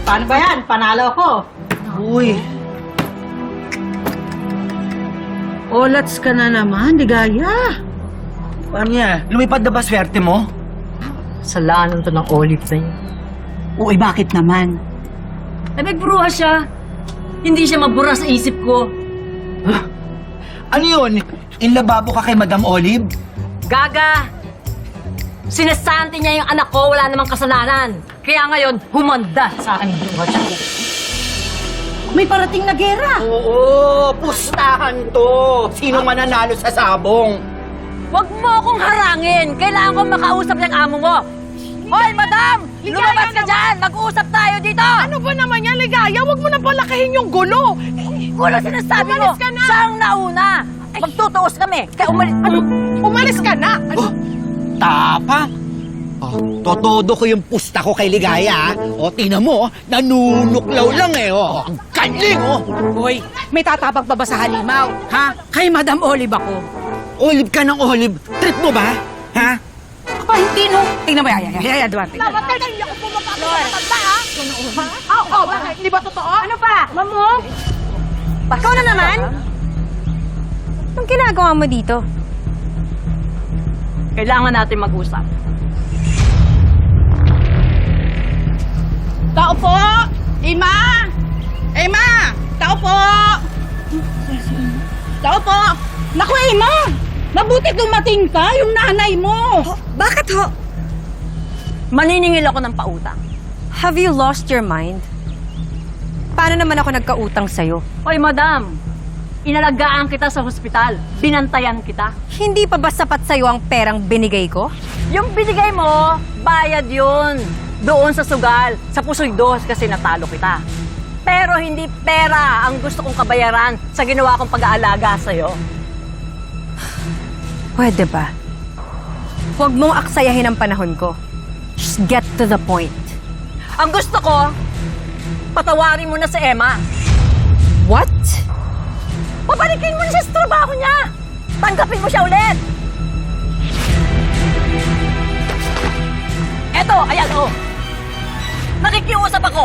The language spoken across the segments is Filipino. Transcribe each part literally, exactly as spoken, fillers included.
Paano ba yan? Panalo ko. Uy. Olats ka na naman, Ligaya. Paano niya? Lumipad na ba swerte mo? Salanan to ng olive na yun. Uy, bakit naman? Eh, nagbruha siya. Hindi siya mabura sa isip ko. Ano yun? Inlababo ka kay Madam Olive? Gaga! Sinasanti niya yung anak ko, wala namang kasalanan. Kaya ngayon, humanda sa akin yung bruha siya. May parating na gera. Oo, pustahan to. Sino mananalo sa sabong? Huwag mo akong harangin. Kailangan kong makausap yung amo mo. Hoy, madam! Lumabas ka dyan! Mag-uusap tayo dito! Ano ba naman yan, Ligaya? Huwag mo na palakihin yung gulo. Gulo sinasabi mo! Umalis ka na! Siya ang nauna! Magtutuos kami! Kaya umalis... Ano? Umalis ka na! Ano? Oh, tapa? Oh, totodo ko yung pusta ko kay Ligaya. O, tingnan mo, oh, nanunuklaw lang eh. Oh. Ang galing, oh. Hoy, may tatabang pa ba sa halimaw? Ha? Kay Madam Olive ako. Olive ka ng olive. Trip mo ba? Ha? Pa, hindi no. Tingnan mo, yaya, yaya, Duarte. Dapat ka hindi ako pumapasok sa matanda, ha? Ha? Oo, oh, bakit? Hindi ba totoo? Ano pa? Mamo? Ikaw na naman? Anong ginagawa mo dito? Kailangan natin mag-usap. Tao po! Ima! Ima! Tao po! Tao po! Naku, Ima! Mabuti dumating ka, yung nanay mo! Bakit ho? Maniningil ako ng pautang. Have you lost your mind? Paano naman ako nagkautang sa'yo? Hoy, madam! Inalagaan kita sa hospital. Binantayan kita. Hindi pa ba sapat sa'yo ang perang binigay ko? Yung binigay mo, bayad yun. Doon sa sugal, sa pusoy dos kasi natalo kita. Pero hindi pera ang gusto kong kabayaran sa ginawa kong pag-aalaga sa'yo. Pwede ba? Huwag mong aksayahin ang panahon ko. Just get to the point. Ang gusto ko, patawarin mo na si Emma. What? Pabalikin mo na siya sa trabaho niya. Tanggapin mo siya ulit. Eto, ayan o. Oh. Nakikiusap ako.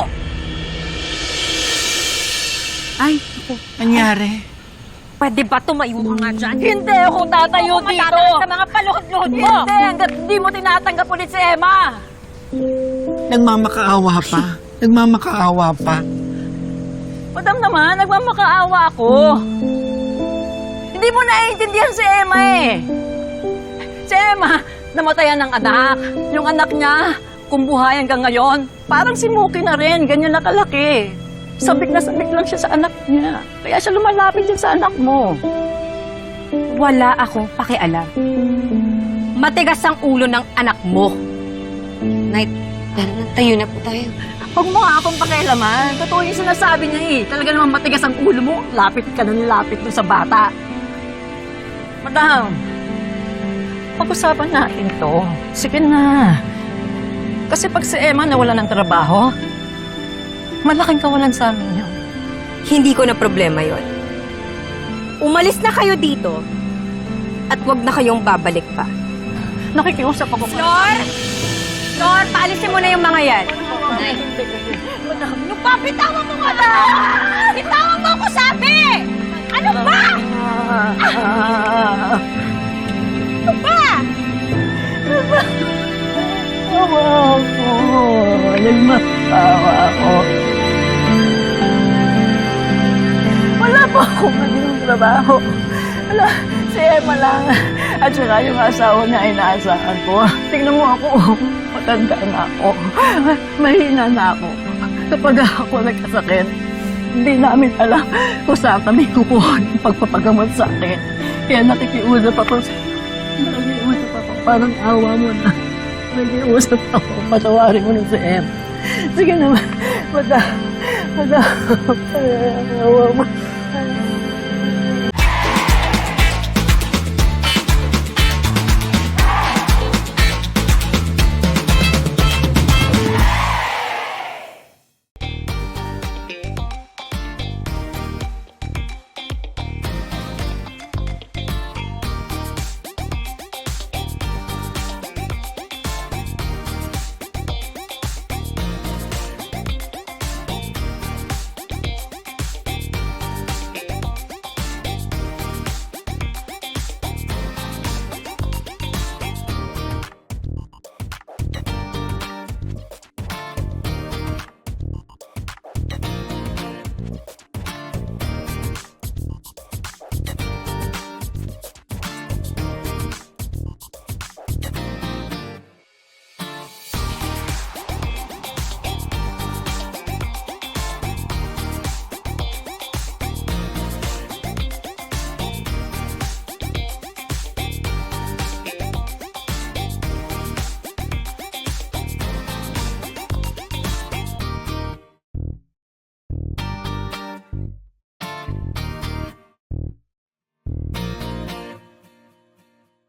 Ay, Nangyari? Pwede ba tumayo ka nga dyan? Hindi ako tatayo Huwag dito. matataas sa mga paluhod-luhod mo! Hindi, hanggat hindi mo tinatanggap ulit si Emma. Nagmamakaawa pa. Nagmamakaawa pa. Madam naman, nagmamakaawa ako. Hindi mo naiintindihan si Emma eh. Si Emma, namatayan ng anak. Yung anak niya, kung buhay hanggang ngayon, parang si Muki na rin, ganyan na kalaki. Sabik na sabik lang siya sa anak niya. Kaya siya lumalapit din sa anak mo. Wala akong pakialam. Matigas ang ulo ng anak mo. Night, tara na, tayo na po tayo. Huwag mo nga akong pakialaman. Totoo yung sinasabi niya eh. Talaga naman matigas ang ulo mo. Lapit ka na lapit dun sa bata. Madam, pag-usapan natin to. Sige na. Kasi pag si Emma nawala ng trabaho, malaking kawalan sa amin yun. Hindi ko na problema yon. Umalis na kayo dito at wag na kayong babalik pa. Nakikiusap ako. Flor! Flor, paalisin mo na yung mga yan. Ano pa? Bitawan mo nga na! Bitawan mo ako, sabi! Ano ba? Ano ba? Awa ako. Nagmakawa ako. Wala pa akong magiging trabaho. Wala, si Emma lang. At saka yung asawa niya ay inaasahan ko. Tingnan mo ako, matanda na ako. Mahina na ako. Kapag ako nagkasakit, hindi namin alam kung saan kami kukuha ng pagpapagamot sa akin. Kaya nakikiusap ako sa Nakikiusap ako. Parang awa mo na. Nakikiusap ako. Patawarin mo na si Em. Sige naman. Mada. Mada. Awa mo.